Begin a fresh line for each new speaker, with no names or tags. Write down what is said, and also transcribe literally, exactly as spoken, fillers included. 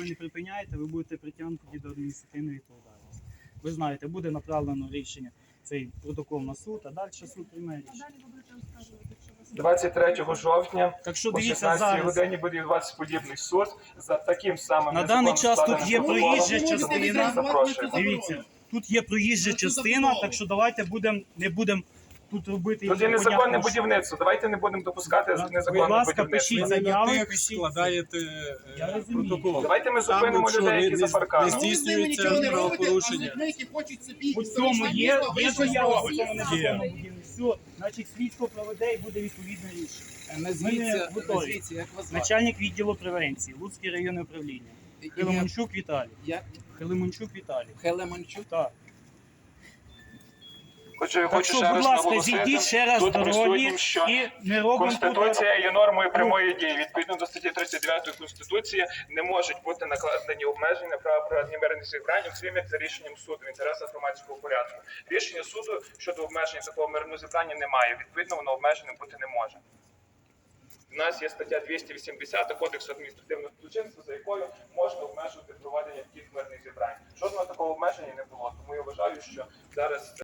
не припиняєте, ви будете притягнуті до адміністративної відповідальності. Ви знаєте, буде направлено рішення, цей протокол на суд, а далі суд прийме рішення.
двадцять третього жовтня
Так що
о
дивіться
шістнадцятій
зараз.
годині буде відбуватися подібний суд за таким самим
На даний час тут
незаконно
є
складеним
проїжджа
протоколом.
частина.
Запрошуємо.
Дивіться, тут є проїжджа частина, так що давайте будемо, не будемо тут робити...
Тут є незаконне
непонятно що.
будівництво. Давайте не будемо допускати
Будь
незаконне
ласка,
будівництво.
пишіть
Ви не на
заяви,
тих
пишіть.
складаєте
Я
е,
розумію.
протокол.
Давайте ми
Там,
зупинимо
якщо
людей,
ви
які
не-
за парканом.
не здійснюється правопорушення.
У цьому є, є заява, у цьому незаконному
Є.
будівництві. Все, значить слідство проведе і буде відповідне рішення.
Назвіться,
готові.
назвіться, як вас звати?
Начальник відділу превенції, Луцьке районне управління. Хелемончук Віталій.
Як?
Хелемончук Віталій.
Хелемончук?
Так.
Хочу,
Так
хочу
що,
ще
будь
раз
ласка,
наголосити,
зійдіть ще раз
тут
дорогі
присутнім, що
і не робимо тут...
Конституція є нормою прямої дії. Відповідно до статті тридцять дев'ятої Конституції не можуть бути накладені обмеження на права проведення мирних зібрань, окрім як за рішенням суду в інтересах громадського порядку. Рішення суду щодо обмеження такого мирного зібрання немає. Відповідно, воно обмеженим бути не може. У нас є стаття двісті вісімдесят Кодексу адміністративного злочинства, за якою можна обмежувати проведення таких мирних зібрань. Жодного такого обмеження не було. Тому я вважаю, що зараз